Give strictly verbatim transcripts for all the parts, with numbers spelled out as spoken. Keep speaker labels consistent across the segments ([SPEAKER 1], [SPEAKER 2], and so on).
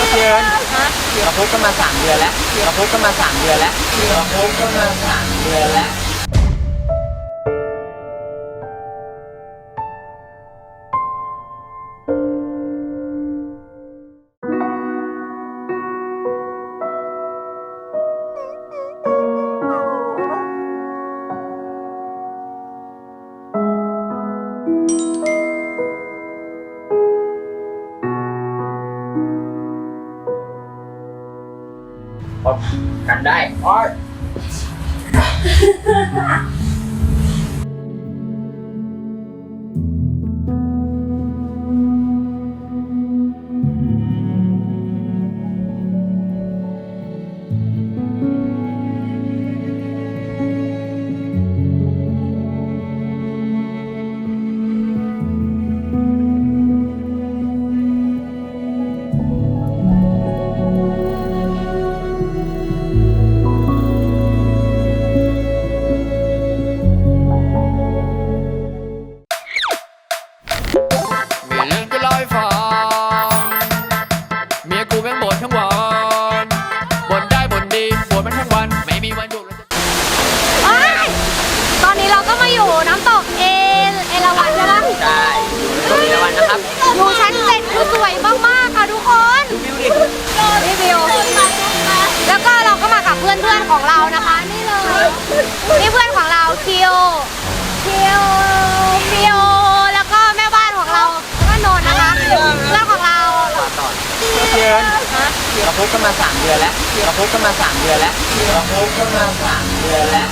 [SPEAKER 1] เดือนเราพบกันมาสามเดือนแล้วเราพบกันมาสามเดือนแล้วเราพบกันมาสามเดือนแล้วกันได้อ้อย
[SPEAKER 2] ดูชั้นเจ็ดคือสวยมากๆค่ะทุกคนดูวิวดินี่วิวแล้วก็เราก็มากับเพื่อนๆของเรานะคะนี่เลยนี่เพื่อนของเราคิวคิวคิวแล้วก็แม่บ้านของเราแล้วก็นนท์นะคะเพื่อนของเรา
[SPEAKER 1] เดือนเราพบกันมาสามเดือนแล้วเราพบกันมาสามเดือนแล้วเราพบกันมาสามเดือนแล้ว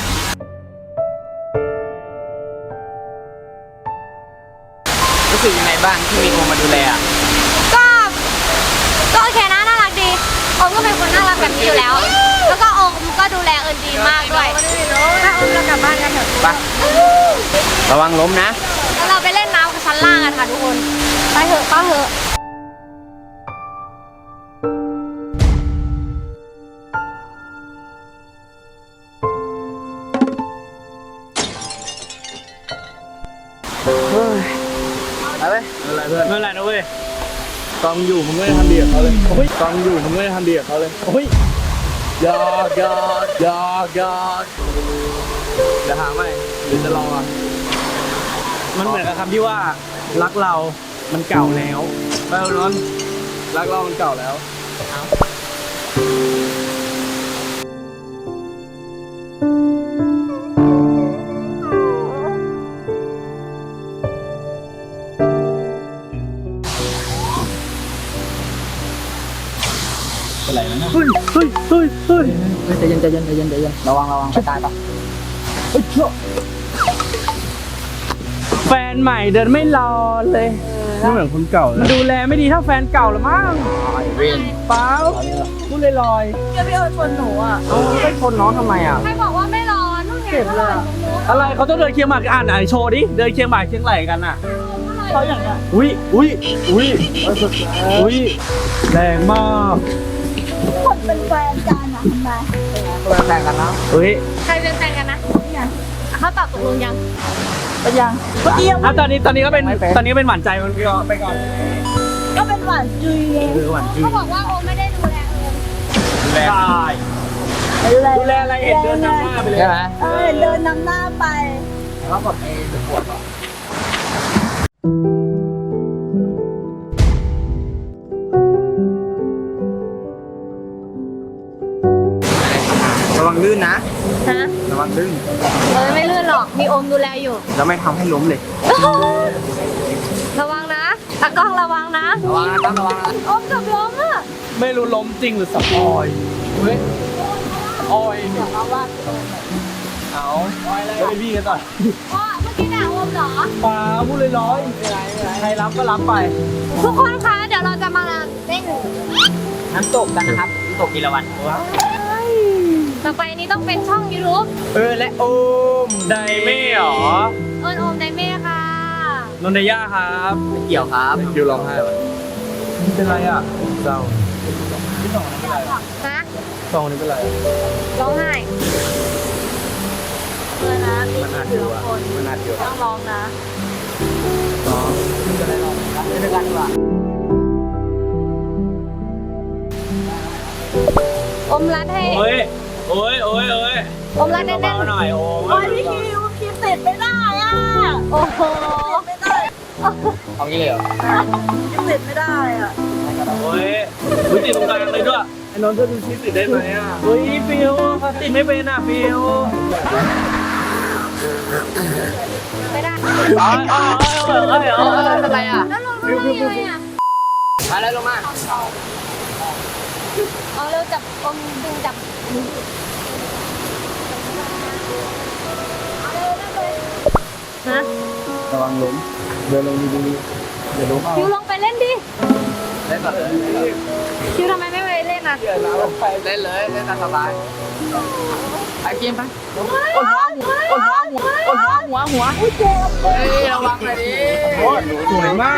[SPEAKER 1] รู้สึกยังไงบ้างที่มีโอมมาดูแลอ่ะ
[SPEAKER 2] ก็ก็โอเคนะน่ารักดีโอมก็เป็นคนน่ารักแบบนี้อยู่แล้วแล้วก็โอมก็ดูแลเอิญดีมากด้วยถ้าโอมเรากลับบ้านกันเถอะ
[SPEAKER 1] ไประวังล้มนะ
[SPEAKER 2] แล้วเราไปเล่นน้ำกับชั้นล่างกันค่ะทุกคนไปเถอะไปเถอะ
[SPEAKER 1] อะไร
[SPEAKER 3] อะไรเพื่อนไม่อะไรนะเว้ยกองอยู่มึงไม่ได้ทำดีกับเขาเลยโอ้ยกองอยู่มึงไม่ได้ทำดีกับเขาเลยโอ้ยยอดยอดยอดยอดจะหาไหมหรือจะลองอ่ะมันเหมือนกับคำที่ว่ารักเรามันเก่าแล้วไปเอานนท์รักเรามันเก่าแล้วอะไรนะเฮ้ยเฮ้ยเฮ้ยเฮ้ย
[SPEAKER 1] ใจเย็นใจเย็นใจเย็นใจเย็นระวังระวังไปตายปะ
[SPEAKER 3] เฮ้ยแฟนใหม่เดินไม่รอเลยไม่เหมือนคนเก่าเลยดูแลไม่ดีเท่าแฟนเก่าหรือมั้ง
[SPEAKER 1] เรียน
[SPEAKER 3] เปล่าพูดลอย
[SPEAKER 2] ๆจะไปเอาชนหนูอ่ะ
[SPEAKER 3] เอาไปชนน้องทำไมอ่ะ
[SPEAKER 2] ใครบอกว่าไม่ร้อนนู่นไงเจ็บเลย
[SPEAKER 3] อะไรเขาต้องเดินเคียงหมากอ่านไหนโชว์ดิเดินเคียงหมากเคียงไหลกันอ่ะเขาอย่างเงี้ยอุ้ยอุ้ยอุ้ยอุ้ยแรงมาก
[SPEAKER 2] คนเป็นแฟนกันอ่ะทำไม
[SPEAKER 1] เป็นแฟนกันแล้ว
[SPEAKER 3] เฮ้ย
[SPEAKER 2] ใครเป็นแฟนกันนะเขาตอบตกลงยังเป็นยังเมื่อกี้
[SPEAKER 3] อ่ะตอนนี้ตอนนี้ก็เป็นตอนนี้เป็นหวานใจมันก็ไปก่อน
[SPEAKER 2] ก็เป็นหวานจุยเองเขาบอกว่าโอไม่ได้ดูแล
[SPEAKER 3] ดูแลดูแลอะไรเห็นเดินนำหน้าไปเลย
[SPEAKER 1] ใช่ไหม
[SPEAKER 2] เออเดินนำหน้าไป
[SPEAKER 1] แล้วก็ไอ้ตะปวดหรอระวังลื่นนะ
[SPEAKER 2] ฮะ
[SPEAKER 1] ระวังลื่น
[SPEAKER 2] เออไม่ลื่นหรอกมีโอมดูแลอยู่
[SPEAKER 1] แล้วไม่ทำให้ล้มเลย
[SPEAKER 2] ระวังนะตะกล้องระวังนะ
[SPEAKER 1] ระวังนะระวังนะ
[SPEAKER 2] โอมกับล้มอ่ะ
[SPEAKER 3] ไม่รู้ล้มจริงหรือสปอยเฮ้ยออย
[SPEAKER 2] เดี๋ยวเราว่า
[SPEAKER 3] เอาออยอะไรไม่พี่กันต่อ
[SPEAKER 2] พ่อเมื่อกี้ด่าโอมเหรอ
[SPEAKER 3] ปลาพูดลอยๆใครรับก็รับไป
[SPEAKER 2] ทุกคนคะเดี๋ยวเราจะมาเล่น
[SPEAKER 1] น้ำตกกันนะครับน้ำตกกีฬาวัน
[SPEAKER 2] ต่อไปนี้ต้องเป็นช่องยูทูบ
[SPEAKER 1] เออและโอม
[SPEAKER 3] ไดเม่หรอ
[SPEAKER 2] เอิญโอมไดเม่ค่ะ
[SPEAKER 3] นนทยาครับ
[SPEAKER 1] ไม่เกี่ยวครับ
[SPEAKER 3] เกี่ยวร้องไห้นี่เป็นไรอ่ะเศร้าที่สองนี่เป็นไร
[SPEAKER 2] นะ
[SPEAKER 3] สองนี่เป็นไร
[SPEAKER 2] ร้องไห้เออนะ
[SPEAKER 3] มันอาจอยู่อ่ะมันอาจอยู่
[SPEAKER 2] ต้องร้องนะ
[SPEAKER 3] ร้องไม่เป็นไรร้องกันด้วยกันดีกว่า
[SPEAKER 2] มรัดให้
[SPEAKER 3] โอ้ยโอ้ยโอ้ยโอ้ย
[SPEAKER 2] อมรัดแน่น
[SPEAKER 3] เบาๆหน่อยโอ้
[SPEAKER 4] โอ้
[SPEAKER 3] ย
[SPEAKER 4] ยพี่คิวคิวติดไม่ได้อ่ะ
[SPEAKER 2] ๆโอ้โห
[SPEAKER 4] ไม่ได้
[SPEAKER 1] เอางี้เลยเหรอ
[SPEAKER 4] คิวติดไม่ได้อ่ะ
[SPEAKER 3] โอ้ยวิติดตรงกลางเลยด้วยไอ้นนท์จะดูชีติดได้ไหมอ่ะเฮ้ยฟิวเขาติดไม่เป็นอ่ะฟิว
[SPEAKER 2] ไม่ได้
[SPEAKER 3] อ๋ออ๋ออ๋ออ๋ออ๋อ
[SPEAKER 1] อะไรอ่ะ
[SPEAKER 2] แล้วลงมาได้ยังไงอ่ะ
[SPEAKER 1] มาแล้วลงมา
[SPEAKER 2] เอาเร็วจับอมดึงจับเอาเร็วนั่งเลยฮะ
[SPEAKER 3] ระวังล้มเดินลงดีๆเดี๋ยวล้มเอา
[SPEAKER 2] คิวลงไปเล่นดิ
[SPEAKER 1] เล่นก่อนเลย
[SPEAKER 2] คิวทำไมไม่ไปเล่นอ่ะ
[SPEAKER 3] เดี๋ยวเราไป
[SPEAKER 1] เล่นเลยเล่นตามสบายไปกินไปกดหัวกดหัวหัวกดหัวหัวหัวเฮ้ยระวังเลยดิ
[SPEAKER 3] โอ้ยสวยมาก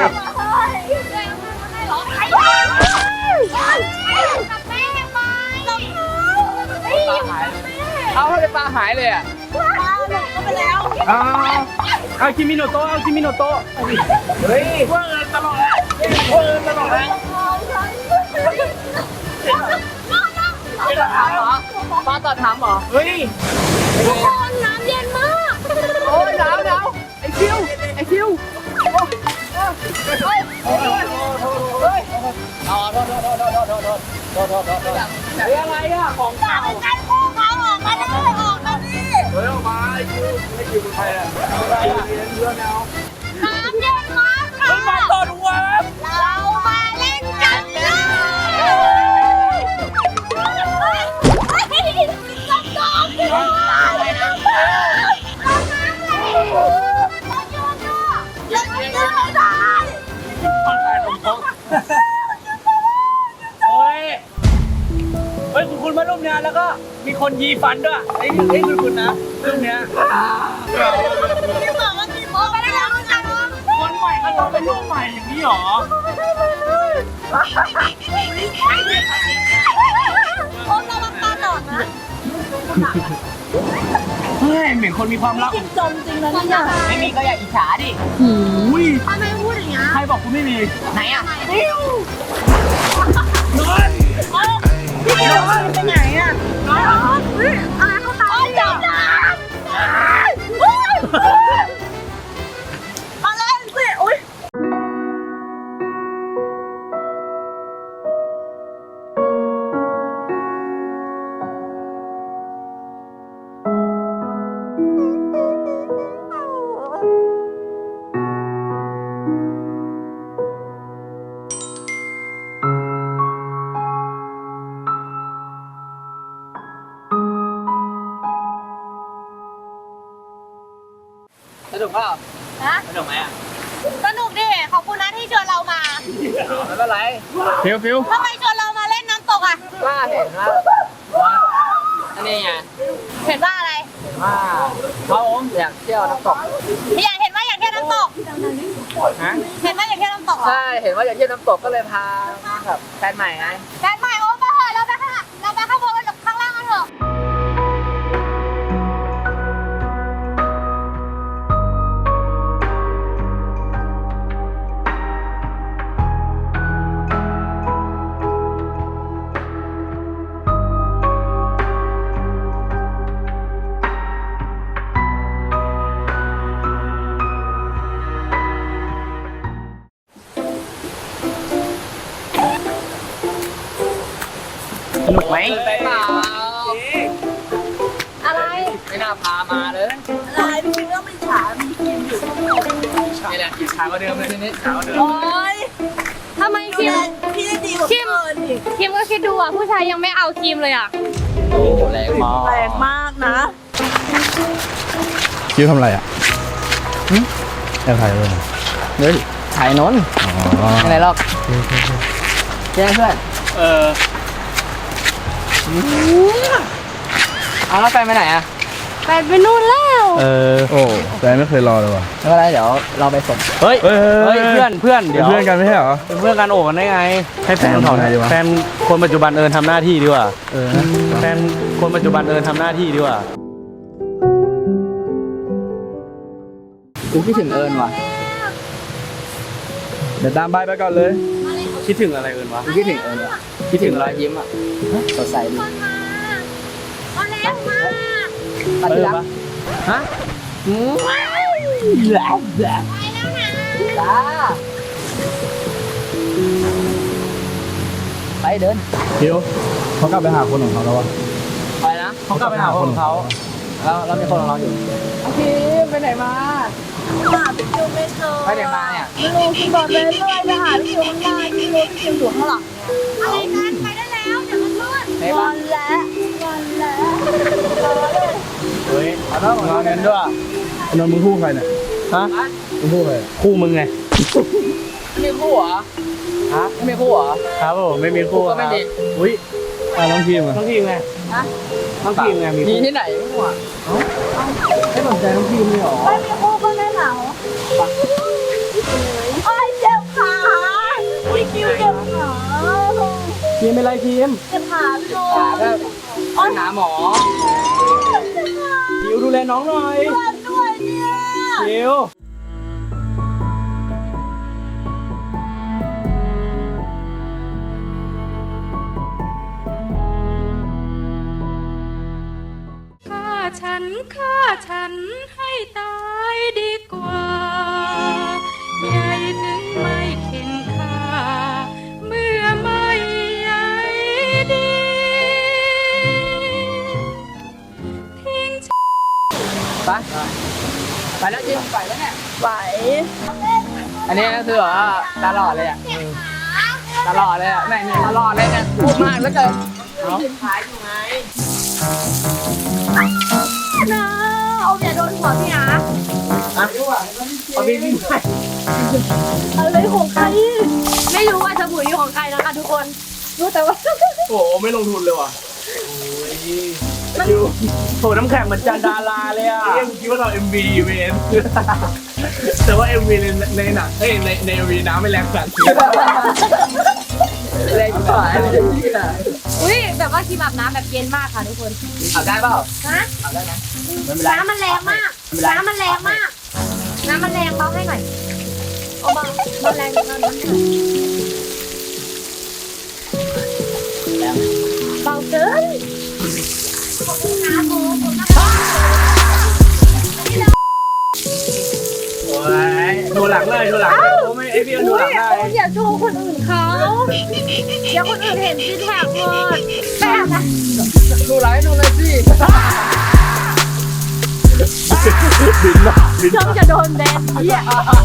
[SPEAKER 2] กับแม่ไหม
[SPEAKER 1] ปลาหายเลยเอาให้ปลาหายเลยอ่ะ
[SPEAKER 4] ปลาหลงก็ไปแล้ว
[SPEAKER 3] อ้าวเอาคิมิโนโตะเอาคิมิโนโตะเฮ้ยเพื่อนตลอดเลยเพื่อนตลอดเลย
[SPEAKER 1] ถามเหรอปลาต่อถามเหรอ
[SPEAKER 3] เฮ้ย
[SPEAKER 2] ทุกคนน้ำเย็นมาก
[SPEAKER 1] โอ้ยหนาวหนาวไอคิวไอคิวเฮ้ยเฮ้ยเฮ้ยอ๋อโทษโทษโทษโทษโทษโทษโทษโทษโทษโทษโทษ
[SPEAKER 3] เฮ้ยอะไรอ่ะของเก่า
[SPEAKER 4] การคู่เขาออกมาได้ออกมาดิ
[SPEAKER 3] เฮ้ยออกมาไอ้คิวไอ้คิวเป็นใครอ่ะอะไรอ่ะเรียนเรื่องแนว
[SPEAKER 2] น้ำเย็นมากค่ะ
[SPEAKER 3] เฮ้ยมาต่อดูวะ
[SPEAKER 2] เรามาเล่นกันเลย
[SPEAKER 3] เฮ้ยเฮ้ยคุณคุณมาร่วมงานแล้วก็มีคนยีฟันด้วยไอ้ไอ้คุณคุณนะเรื่องเนี้ย
[SPEAKER 4] พี่บอกว่าพี่บอกไม่ได้แล้วนะ
[SPEAKER 3] คนใหม่เขาต้องเป็นลูกใหม่อย่างนี้หรอ
[SPEAKER 4] โอ้ระวังปลาหนอนนะ
[SPEAKER 3] เฮ้ยเหมือนคนมีความรัก
[SPEAKER 4] กินจมจริงนะเนี่ย
[SPEAKER 1] ไม่มีก็อย่าอิจฉาดิ
[SPEAKER 3] อุ้ย
[SPEAKER 4] ทำไมพูดอย่างเงี้ย
[SPEAKER 3] ใครบอกคุณไม่มี
[SPEAKER 1] ไหนอ่ะ
[SPEAKER 4] พี่คิว
[SPEAKER 3] นอน
[SPEAKER 4] พี่คิวไปไหนอ่ะอะไรเขาตายจับน้ำมาเล่นสิอุ้ย
[SPEAKER 1] สนุกเปล่า
[SPEAKER 2] ฮะ
[SPEAKER 3] สนุกไหมอ่ะ
[SPEAKER 2] สนุกดิ ขอบคุณนะที่ชวนเรามา
[SPEAKER 1] ไม่เป็นไร
[SPEAKER 3] ฟิวฟิว
[SPEAKER 2] ทำไมชวนเรามาเล่นน้ำตกอ่ะ
[SPEAKER 1] ว่าเห็นว่าอันนี้ไง
[SPEAKER 2] เห็นว่าอะไร
[SPEAKER 1] ว่าเขาอยากเที่ยวน้ำตก
[SPEAKER 2] อยากเห็นว่าอยากเที่ยวน้ำตก
[SPEAKER 1] ฮะ
[SPEAKER 2] เห็นว่าอยากเที่ยวน้ำตกเหรอ
[SPEAKER 1] ใช่เห็นว่าอยากเที่ยวน้ำตกก็เลยพาแบบแฟนใหม่ไง
[SPEAKER 2] แฟนใหม่โอ้ไปเถอะเราไปข้างเราไปข้างบนกับข้างล่างกันเถอะ
[SPEAKER 1] สนุกไหมไปเปล่า
[SPEAKER 2] อะไร
[SPEAKER 1] ไม่น่าพามาเลย
[SPEAKER 4] อะไรพี่คิวก็ไม่ฉามีคิมอยู่
[SPEAKER 1] นี่แหละกินขาวกว่าเดิมเลยทีนี้ขาวกว่าเดิม
[SPEAKER 4] โอ้ย
[SPEAKER 2] ทำไมคิม
[SPEAKER 4] พี่ได้ดีกว่าเพื่อนอีก
[SPEAKER 2] คิมก็คิดดูอ่ะ ผู้ชายยังไม่เอาคิมเลยอ่ะ
[SPEAKER 1] โอ้แรงมาก
[SPEAKER 4] แรงมากนะ
[SPEAKER 5] คิวทำอะไรอ่ะแอบถ่ายเลย
[SPEAKER 1] เฮ้ยถ่ายนนท์
[SPEAKER 5] อ๋อ
[SPEAKER 1] อะไรหรอกแจ้งเพื่อน
[SPEAKER 3] เออ
[SPEAKER 1] เอาแล้วแฟนไปไหนอ่ะ
[SPEAKER 2] แฟนไปนู่นแล้ว
[SPEAKER 3] เออ
[SPEAKER 5] โอ้แฟนไม่เคยรอเลยว่ะ
[SPEAKER 1] ไม่เป็นไรเดี๋ยวเราไปส่ง
[SPEAKER 3] เฮ้ย
[SPEAKER 5] เฮ้ย
[SPEAKER 3] เฮ้ยเพื่อนเพื่อน
[SPEAKER 5] เป็
[SPEAKER 3] เดี๋
[SPEAKER 5] น
[SPEAKER 3] ยว
[SPEAKER 5] เพื่อนกันไม่ใช่เหรอ
[SPEAKER 3] เป็นเพื่อนกันโอบกันได้ไง ให้แฟน
[SPEAKER 5] แฟน
[SPEAKER 3] เขา
[SPEAKER 5] ทำไงดีวะ
[SPEAKER 3] แฟนคนปัจจุบันเอิญทำหน้าที่ดีกว่า
[SPEAKER 5] เออ
[SPEAKER 3] แฟนคนปัจจุบันเอิญทำหน้าที่ดีกว่า
[SPEAKER 1] กูคิดถึงเอิญว่ะ
[SPEAKER 5] เดี๋ยวตามบายไปก่อนเลย
[SPEAKER 3] คิดถึงอะไรเอิญวะ
[SPEAKER 1] กูคิดถึงเอิญว่ะคิดถึงรอยยิ้มอ่ะสดใสดี
[SPEAKER 2] คนมางมาก
[SPEAKER 1] ตัดที่รักฮะอืมแหลมแหลม
[SPEAKER 2] ไปแล้วนะ
[SPEAKER 1] จ้าไปเดิน
[SPEAKER 5] คิวเขากลับไปหาคนของเขาแล้ววะ
[SPEAKER 1] ไปนะเขากลับไปหาคนของเขาแล้วแล้วมีคนของเราอยู่โอเคไปไหนมา
[SPEAKER 4] หาพี่คิวไม่เจอ
[SPEAKER 1] ไปไหนมาเนี่ย
[SPEAKER 4] ไม่รู้พี่บอกเลยเรื่อยไปหาพี่คิวข้างหน้าพี่รู้พี่คิวอยู่ข้างหลัง
[SPEAKER 2] อะไรกันไปได้แล้วเดี๋ยวมันมืด
[SPEAKER 1] ไหน
[SPEAKER 4] ง
[SPEAKER 1] บ้า
[SPEAKER 4] อนแล้วงอนแล้ว
[SPEAKER 3] เฮ้ย
[SPEAKER 1] เอาแล้วของเราเงินด้วย
[SPEAKER 5] นนท์มึงคู่ใครเนี่ย
[SPEAKER 3] ฮะ
[SPEAKER 5] มึงคู่ใคร
[SPEAKER 3] คู่มึงไง
[SPEAKER 1] ไม่มีคู่เหรอฮะไม่มีคู่เหรอ
[SPEAKER 3] ครับผมไม่มีคู่
[SPEAKER 1] ก็
[SPEAKER 3] ค
[SPEAKER 1] ไม่
[SPEAKER 3] รับ
[SPEAKER 1] มี
[SPEAKER 3] อุ้ย
[SPEAKER 5] อ่ะน้องทีมอ่ะ
[SPEAKER 3] ต้องทีมไง
[SPEAKER 1] ฮะ
[SPEAKER 3] ต้องทีมไงมี
[SPEAKER 1] มี
[SPEAKER 3] คู่
[SPEAKER 1] ที่ไหนคู่อ่ะไม่สนใจน้องทีมเลยเหรอ
[SPEAKER 4] ไม่มีคู่ก็ไม่เหงาโอ้ยเจ็บขาพี่คิวเจ็บขา
[SPEAKER 3] ทีมเป็นไรทีม
[SPEAKER 4] เจ็บขาพี่โด
[SPEAKER 1] ขาก็ไปหาหมอ
[SPEAKER 3] คิวดูแลน้องหน่อย
[SPEAKER 4] ปวดด้วยเนี่ย
[SPEAKER 3] คิว
[SPEAKER 6] ฆ่าฉันฆ่าฉันให้ตายดีกว่าใหญ่ถึงไม่เข็นค่าเมื่อไม่ใหญ่ดีทิ้ง
[SPEAKER 1] ไปไปแล้วจริงไปแล้วเนี่ย
[SPEAKER 4] ไหว
[SPEAKER 1] อันนี้ก็คือแบบว่าตลอดเลยอ่ะตลอดเลยอ่ะแม่งเนี่ยตลอดเลยเนี่ยพูดมากแล้วเกิน
[SPEAKER 2] นะเอาอย่าโดนหัวพี่นะ
[SPEAKER 1] เอาพี่พี่ไป
[SPEAKER 4] อะไรของใคร
[SPEAKER 2] ไม่รู้ว่าสบู่นี้ของใครนะคะทุกคนรู้แต่ว่า
[SPEAKER 3] โอ้โหไม่ลงทุนเลยว่ะคิวโถน้ำแข็งเหมือนจานดาราเลยอ่ะเรียกคิดว่าเราเอ็มวีเวนแต่ว่าเอ็มวีในในหนังเอ้ยในในเอ็มวีน้ำไม่แรงสัตว์
[SPEAKER 1] แรงกว่าเลยที่ไหน
[SPEAKER 2] อุ้ยแบบว่าครีมอาบน้ำแบบเย็นมากค่ะทุกคน
[SPEAKER 1] เอาได้เปล่า
[SPEAKER 2] นะ
[SPEAKER 1] เอาได้นะไม่เป็นไร
[SPEAKER 2] น้ำมันแรงมาก น้ำมันแรงมาก น้ำมันแรงเบาให้หน่อยเอาเบาเบาแรงนิดหน่อยเบาเกินขอบคุณนะโบขอบคุณนะ
[SPEAKER 3] โอ้ยดูหลังเลยดูหลังโอ้ไม่ไอพี่ดูหลังได้
[SPEAKER 2] โอ้ยอย่าโชว์คนอื่นเขาเดี๋ยวคนอื่นเห็นซิแท็กหมดแบบนะ
[SPEAKER 1] ดูไรดูเลยสิ
[SPEAKER 3] บินมาบิน
[SPEAKER 2] จ้องจะโดนแบนเหี้ย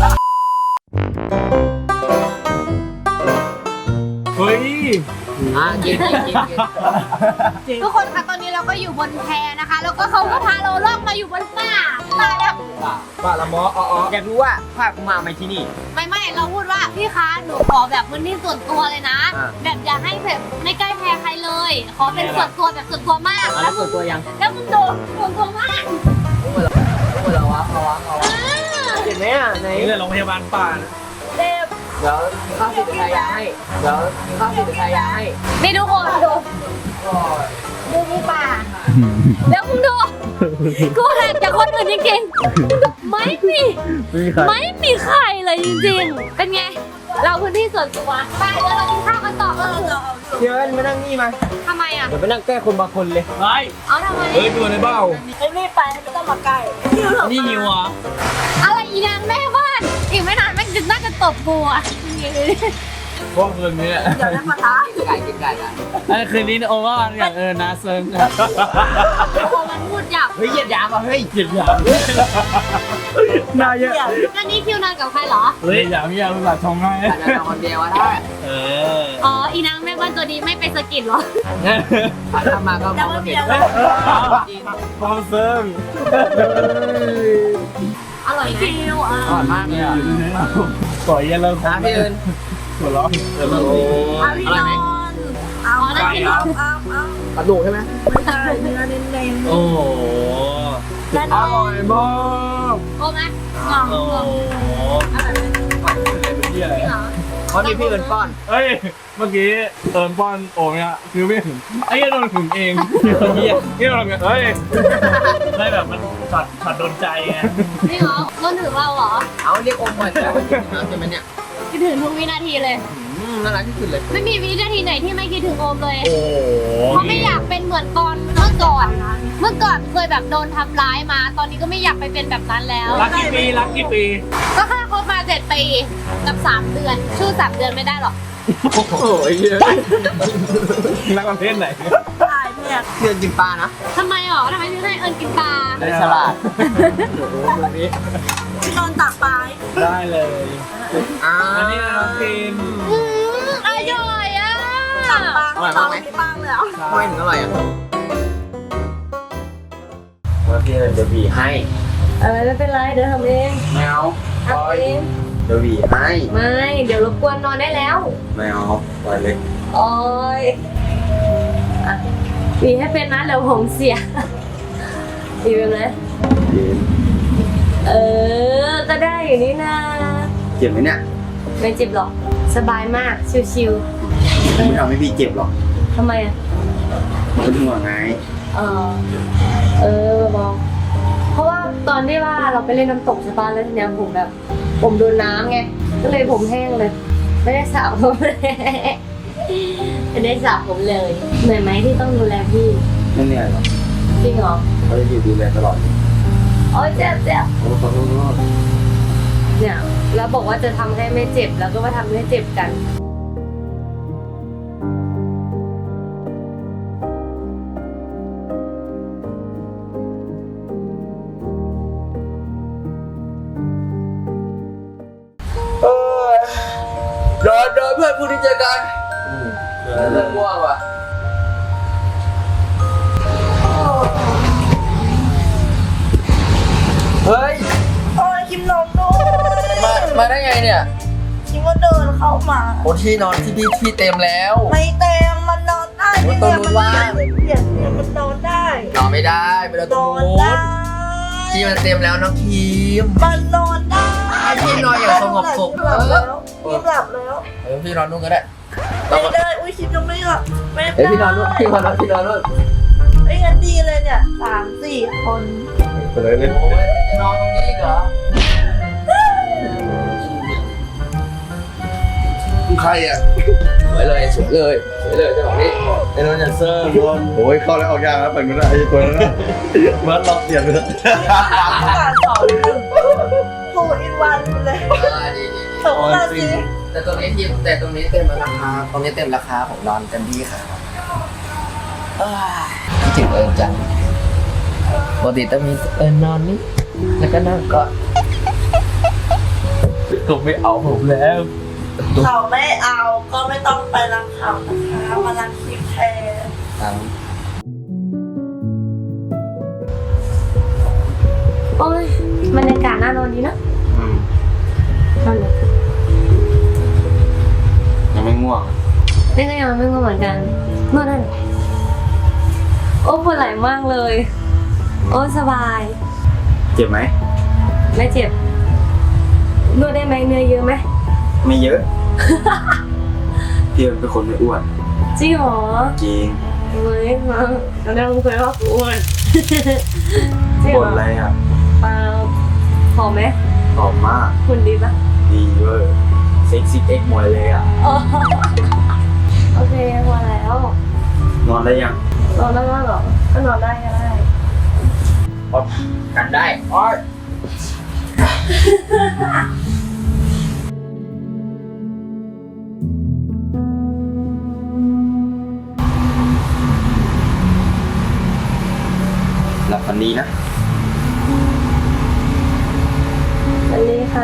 [SPEAKER 3] เฮ้ย
[SPEAKER 1] อ่ะกินกินกินกิน
[SPEAKER 2] ทุกคนคะตอนนี้เราก็อยู่บนแพนะคะ แล้วก็เขาก็พาเราล่องมาอยู่บนป่าป่าแบบ
[SPEAKER 3] ป่าละมออ๋อ
[SPEAKER 1] อยากรู้ว่าภาคมาไหมที่นี่
[SPEAKER 2] ไม่ไม่เราพูดว่าพี่คะหนูขอแบบพื้นที่ส่วนตัวเลยนะ
[SPEAKER 1] อ่า
[SPEAKER 2] แบบอย่าให้แบบไม่ใกล้แพใครเลย ขอเป็นส่วนตัวแบบส่วนตัวมาก
[SPEAKER 1] อ่ะแล้วส่วนตัวยัง
[SPEAKER 2] แล้วมึงโดนส่วนตัวมาก
[SPEAKER 1] พูดเหรอพูดเหรอวะเอาวะเอาวะ
[SPEAKER 2] อ่า
[SPEAKER 1] เห็นไหมอ่ะไหน
[SPEAKER 3] นี่เลยโรงพยาบาลป่านะ
[SPEAKER 2] เจ็บ
[SPEAKER 1] เดี๋ยวมีข้าวสิบเป็นยาให้เดี๋ยวมีข้าวสิบเป็นยาให้
[SPEAKER 2] นี่ทุกคนดูดูนี่ป่าแล้วมึงดูกูห่างจากคนอื่นจริงๆไม่มี
[SPEAKER 3] ไม่มีใคร
[SPEAKER 2] ไม่มีใครเลยจริงๆ เป็นไง เราพื้นที่ส่วนตัวไปเดี๋ยวเรากินข้าวกันต่อเออ
[SPEAKER 1] เดี๋ยวมานั่งนี่มา
[SPEAKER 2] ทำไมอ่ะ
[SPEAKER 1] เดี๋ยวไปนั่งใกล้คนบางคนเลย
[SPEAKER 3] ไอ้
[SPEAKER 2] เอาทำไม
[SPEAKER 3] เฮ้ยตัวในเบ้า
[SPEAKER 4] ไอ้นี่ไปไม่ต้องมาใกล้คิวเถอะ
[SPEAKER 3] นี่นิวเหรอ
[SPEAKER 2] อะไรอีนางแม่บ้าน อีกไม่นานแม่งจะน่าจะตบกูอ่ะ
[SPEAKER 3] พวกคืนนี้
[SPEAKER 4] เดี๋ยวนะมาท้า
[SPEAKER 1] ไก่กินไก่กัน
[SPEAKER 3] ไอ้คืนนี้โอว่าอย่างเออนาเซิง
[SPEAKER 2] โอ้มันพูดหยาบ
[SPEAKER 1] เฮ้ยเหยียดยามอ่ะเฮ้ย
[SPEAKER 3] เหยียดหยาม น่าเยอะ
[SPEAKER 2] อันนี้คิวนอนกับใครเหรอ
[SPEAKER 3] เฮ้ยหยามหยามภาษาชงให้
[SPEAKER 1] อาจจะนอนคนเดียวก็ได้
[SPEAKER 3] เออ
[SPEAKER 2] อ๋อ อีนางแม่บ้านตัวนี้ไม่ไปสะกิดเหรอ
[SPEAKER 1] ถ้าทำมาก็มองไม่เห็น
[SPEAKER 3] พอเซิง
[SPEAKER 2] อร่อยไหม
[SPEAKER 4] คิวอ่ะ
[SPEAKER 1] อ่อนมากเลยอ่ะ
[SPEAKER 3] ก่อยยันเลย
[SPEAKER 1] น้ำพี่อื่น
[SPEAKER 3] หัวเราะเออ
[SPEAKER 1] โอ้
[SPEAKER 4] เอา
[SPEAKER 1] อ
[SPEAKER 4] พี่
[SPEAKER 1] ร่อย
[SPEAKER 4] น
[SPEAKER 1] ไหม
[SPEAKER 4] อนเอา
[SPEAKER 2] อ๋อนั่นกิน
[SPEAKER 4] เอาเอาเอา
[SPEAKER 1] กระดูกใช่ไหม
[SPEAKER 4] ไม่ใช่เนื้อเน้น
[SPEAKER 3] โอ้โห
[SPEAKER 4] ๆและ
[SPEAKER 3] อ
[SPEAKER 4] น้อง
[SPEAKER 3] ร่อยมาก
[SPEAKER 2] โอ้ไหม
[SPEAKER 3] โอ้โหเป็นที่อะไร
[SPEAKER 2] จริงเหรอ
[SPEAKER 1] เพราะมีพี่อื่นป้อน
[SPEAKER 3] เฮ้ย เมื่อกี้เอิญป้อนโอ้เนี่ยคือไม่ถึงไอ้เหี้ยโดนถึงเองเฮียนี่เราเฮ้ยได้แบบมันช็อตช็อตโดนใจไง
[SPEAKER 2] จริงเหรอรนถึงเราเหรอ
[SPEAKER 1] เอาเรียกอมเหมือนกันน้ำใช่ไหมเนี่ย
[SPEAKER 2] คิดถึงทุกวินาทีเลย
[SPEAKER 1] อืมน่ารักที่สุดเลย
[SPEAKER 2] ไม่มีวินาทีไหนที่ไม่คิดถึงโอมเลย
[SPEAKER 3] โอ้
[SPEAKER 2] เพราะไม่อยากเป็นเหมือนตอนเมื่อก่อน เมื่อก่อนเคยแบบโดนทำร้ายมา ตอนนี้ก็ไม่อยากไปเป็นแบบนั้นแล้ว
[SPEAKER 3] รักกี่ปีรักกี่ปี
[SPEAKER 2] ก็แค่คบมาเจ็ดปีกับสามเดือน ชื่อสามเดือนไม่ได้หรอก
[SPEAKER 3] โอ้โหเยอะรักประเภทไหน
[SPEAKER 4] ตายเนี่ย
[SPEAKER 1] เพื่อนกินปลานะ
[SPEAKER 2] ทำไมหรอทำไมถึงให้เอิญกินปลา
[SPEAKER 1] ได้ฉลาด
[SPEAKER 4] พี่นอนตักปลา
[SPEAKER 3] ได้เลย
[SPEAKER 1] อ่า
[SPEAKER 3] อันนี้น้องกิน
[SPEAKER 2] อืมอร่อยอ่ะ
[SPEAKER 4] ตักปลา
[SPEAKER 1] อร่อยมากไหม
[SPEAKER 4] ไม่ปังเลยอ่ะ
[SPEAKER 1] ทำไมถึงอร่อยอ่ะเมื่อกี้เดี๋ยวบีให้
[SPEAKER 2] เออไม่เป็นไรเดี๋ยวทำเอง
[SPEAKER 1] แมว
[SPEAKER 2] ทำเอง
[SPEAKER 1] เดี๋ยวบีให้
[SPEAKER 2] ไม่ เดี๋ยวรบกวนนอนได้แล้ว
[SPEAKER 1] แมวปล่อยเลย
[SPEAKER 2] โอ้ยอ่ะปีให้เป็นนะเดี๋ยวผมเสียปีเป็นไหม
[SPEAKER 1] เย็น
[SPEAKER 2] เออ ก็ได้อยู่นี่นะ
[SPEAKER 1] เจ็บไหมเนี่ย
[SPEAKER 2] ไม่เจ็บหรอก สบายมาก ชิว
[SPEAKER 1] ไม่ทำให้พี่เจ็บหรอก
[SPEAKER 2] ๆทำไมอ่ะ
[SPEAKER 1] เป็นห่วงไง
[SPEAKER 2] เออ เออบอกเพราะว่าตอนที่ว่าเราไปเล่นน้ำตกใช่ปะแล้วทีเนี้ยผมแบบ ผมโดนน้ำไง ก็เลยผมแห้งเลย ไม่ได้สระผมเลย ไม่ได้สระผมเลย เหนื่อยไหมที่ต้องดูแลพี่
[SPEAKER 1] ไม่เหนื่อยหรอก
[SPEAKER 2] จริงเหรอ
[SPEAKER 1] เขาจะอยู่ดูแลตลอด
[SPEAKER 2] โอ้ยเจ็บเจ็บ
[SPEAKER 1] โอ้ขอโทษขอโทษ
[SPEAKER 2] เนี่ยแล้วบอกว่าจะทำให้ไม่เจ็บแล้วก็มาทำให้เจ็บกัน
[SPEAKER 1] เออเดินเดินเพื่อนพูดที่เจอกันเดินเรื่องง่วงว่ะเฮ้ย
[SPEAKER 4] โอ้ยคิมนอนด้วย
[SPEAKER 1] มา มาได้ไงเนี่ย
[SPEAKER 4] คิมก็เดินเข้ามา
[SPEAKER 1] โอ้ที่นอนที่พี่ที่เต็มแล้ว
[SPEAKER 4] ไม่เต็มมันนอนได้
[SPEAKER 1] โอ้ยตรงนู้นว่าง
[SPEAKER 4] เปลี่ยนเนี่ยมันนอนได้
[SPEAKER 1] นอนไม่ได้ไปนอนต
[SPEAKER 4] น
[SPEAKER 1] รง
[SPEAKER 4] อน
[SPEAKER 1] นู้
[SPEAKER 4] ได้
[SPEAKER 1] นที่มันเต็มแล้วน้องคีม
[SPEAKER 4] มันนอนได้
[SPEAKER 1] ให้พี่นอนอย่างสงบสุข
[SPEAKER 4] หลับแล้วคิมหลับแล้ว
[SPEAKER 1] เออพี่นอนนู่นก็ได้
[SPEAKER 4] ไม่ได้อุ้ยคิมยังไม่หลับไม่ได้
[SPEAKER 1] เอ้ยพี่นอนนู่นพี่นอนนู่นพี่นอนนู่น
[SPEAKER 4] ไอ้ยงั้นดีเลยเนี่ยสามสี่คน
[SPEAKER 5] ไปเลยเลย
[SPEAKER 1] โอ้ยจะนอนตรงนี้อีกเหรอ
[SPEAKER 5] ใครอ่ะ
[SPEAKER 1] สวยเลยสวยเลยสวยเลยจังหวะนี้ไอ้นนท์อย่าเซิร์ฟ
[SPEAKER 5] โอ้ยเข้าแล้วออกยากแล้วไปไม่ได้ไอ้ตัวนั้นนะมันล็อกเสียงเลย
[SPEAKER 4] การสอนหนึ่งโทรอินวันเลย
[SPEAKER 1] อ่าดีดีดี
[SPEAKER 4] สองนาที
[SPEAKER 1] แต่ตรงนี้ที่แต่ตรงนี้เต็มราคาตรงนี้เต็มราคาผมนอนเต็มที่ค่ะอ้ายคิดถึงเอิญจังปกติต้องมีเอิญนอนนี่แล้วก็นั่งก็
[SPEAKER 3] ผมไม่เอาผมแล้ว
[SPEAKER 4] เขาไม่เอาก็ไม่ต้องไปรังเขานะคะมารังคิมแทน
[SPEAKER 1] ตัง
[SPEAKER 2] โอ้ยบรรยากาศน่านอนดีนะ
[SPEAKER 1] อืม
[SPEAKER 2] นอนเลย
[SPEAKER 1] ยังไม่ง่วง
[SPEAKER 2] นี่ก็ยังไม่ง่วงเหมือนกันนวดได้เหรอโอ้ปวดไหล่มากเลย โอ้สบาย
[SPEAKER 1] เจ็บไหม
[SPEAKER 2] ไม่เจ็บนวดได้ไหมเนื้อเยอะไหม
[SPEAKER 1] ไม่เยอะ พี่เป็นคนไม่อ้วน
[SPEAKER 2] จริงเหรอ
[SPEAKER 1] จริง
[SPEAKER 2] เฮ้ยมาเราได้รู้เคยว่ากูอ้วนจริงเห
[SPEAKER 1] บ่
[SPEAKER 2] ร
[SPEAKER 1] น
[SPEAKER 2] อ
[SPEAKER 1] อะไรอ่ะ
[SPEAKER 2] เปล่าหอมไหม
[SPEAKER 1] หอมมาก
[SPEAKER 2] คุณดีปะ
[SPEAKER 1] ดีเวอร์เซ็กซี่เอ็กหมดเลยอ่ะ
[SPEAKER 2] อ๋อโอเคพอแล้ว
[SPEAKER 1] นอนได้ยัง
[SPEAKER 2] นอนได้แล้วเหรอก็นอนได้ก็ได้
[SPEAKER 1] อดกันได้อ้อยหลับฝันดีนะ
[SPEAKER 2] อันนี้ค่ะ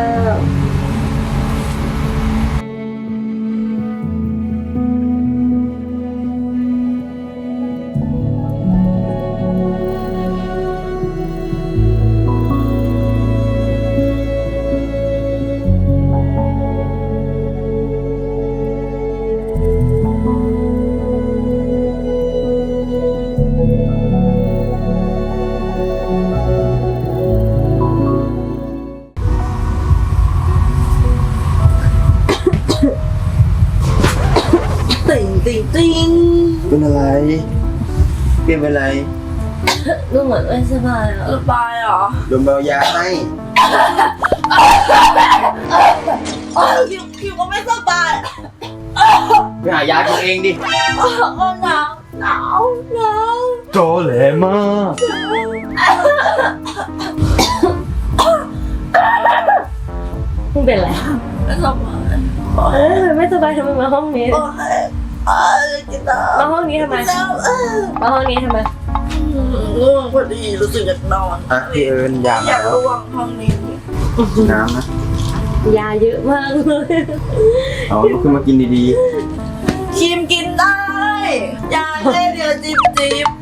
[SPEAKER 4] ติ่งติ่งติ่ง
[SPEAKER 1] เป็นอะไร เปลี่ยนเป็นอะไร
[SPEAKER 2] ดูเหมือนไม่สบายอ่ะ
[SPEAKER 4] สบายเหรอ
[SPEAKER 1] โดนเบายาให้
[SPEAKER 4] โอ้ยคิวคิวก็ไม่สบาย
[SPEAKER 1] ไปหายากินเองดิ
[SPEAKER 4] ก็หนาวหนาวหนาว
[SPEAKER 3] โจแหลมาก
[SPEAKER 7] มึงเป็นอะไร
[SPEAKER 4] ไม่สบาย
[SPEAKER 7] เออไม่สบายทำไมมาห้องนี้
[SPEAKER 4] โอ้ยอ่ากินน้ำ
[SPEAKER 7] มาห้องนี้ทำไม
[SPEAKER 4] กินน้ำเออ
[SPEAKER 7] มาห้องนี้ทำไม
[SPEAKER 4] ง่วงพอดีรู้สึกอยากนอน
[SPEAKER 1] อ่ะพี่เอิญยา
[SPEAKER 4] อ
[SPEAKER 1] มาย
[SPEAKER 4] าก
[SPEAKER 1] แล้ว
[SPEAKER 4] ระวังห้องนี้
[SPEAKER 1] น้ำนะ
[SPEAKER 7] ยาเยอะมากเลย
[SPEAKER 1] เอาลุกขึ้นมากินดี
[SPEAKER 4] ครีมกินได้ยาแค่เดียวจิบจิบ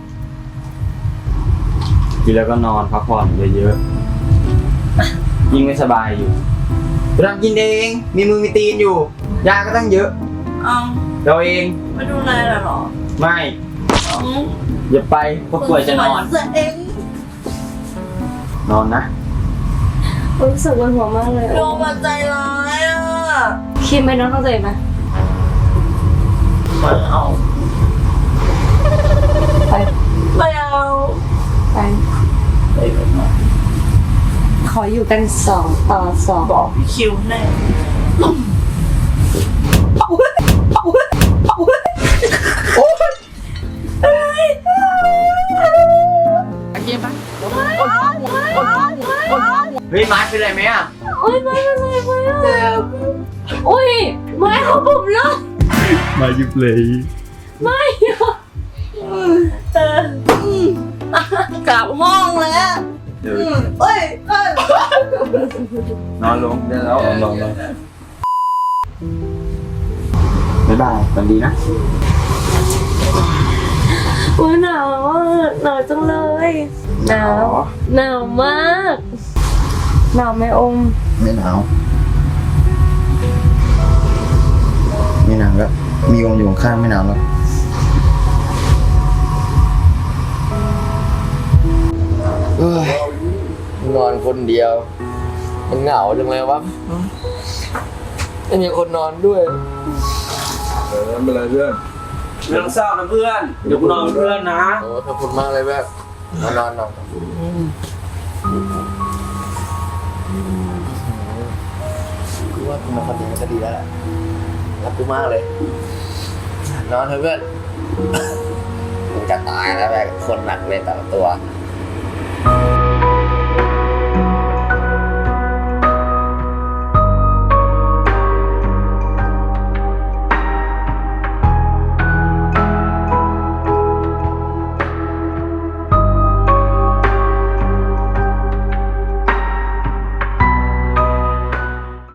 [SPEAKER 3] ๆกินแล้วก็นอนพักผ่อนเยอะๆยิ่งไม่สบายอยู่
[SPEAKER 1] ๆเรากินเองมีมือมีตีนอยู่ยาก็ตั้งเยอะ
[SPEAKER 4] เอา
[SPEAKER 3] เราเอง
[SPEAKER 4] ไม่ดูแลเหรอ
[SPEAKER 3] ไม่
[SPEAKER 4] เอา
[SPEAKER 3] อย่าไปเพราะป่วยจะนอน
[SPEAKER 4] เสียเอง
[SPEAKER 3] นอนนะ
[SPEAKER 7] รู้สึกวันหัวมากเลย
[SPEAKER 4] โยมมาใจร้ายอ่ะ
[SPEAKER 7] คิดไหมน้องเข้าใจไหม
[SPEAKER 4] ไม่เอา
[SPEAKER 7] ไป
[SPEAKER 4] ไม่เอา
[SPEAKER 7] ไป
[SPEAKER 4] ไปกันนะ
[SPEAKER 7] ขออยู่กันสองต่อสอง
[SPEAKER 4] บอกพี่คิวแน่
[SPEAKER 3] เฮ้ยมาร์คเป็นไรไหมอ่ะ
[SPEAKER 7] โอ้ยไม่เป็นไรไม่เป็นไรโอ้ยไม่เขาผมเลย
[SPEAKER 3] มาหยิบเลย
[SPEAKER 7] ไม่อะ
[SPEAKER 4] กลับห้องแล้ว
[SPEAKER 3] เดี๋ยว
[SPEAKER 4] เอ้ยเอ้ย
[SPEAKER 3] นอนลงเดี๋ยวเรานอนลงบ๊ายบายฝันดีนะ
[SPEAKER 7] โอ้ยหนาวอ่ะหนาวจังเลยหนาวหนาวมากหนาวไหมอม
[SPEAKER 1] ไม่หนาวไม่หนาวแล้วมีองค์อยู่ข้างๆไม่หนาวแล้วเอ้ยนอนคนเดียว มันเหงาจังเลยวะไม่มีคนนอนด้วย
[SPEAKER 5] เออไม่เป็นไรเพื่อน
[SPEAKER 3] เรื่องเศร้านะเพื่อน เดี๋ยวกูนอนกับเพื่อนนะ
[SPEAKER 1] โอ้ขอบคุณมากเลยแบบนอนนอนนอนกูว่ากูมาคนเดียวก็ดีแล้วแหละรักกูมากเลย นอนเถอะเพื่อนกูจะตายแล้วแบบคนหนักเลยแต่ละตัว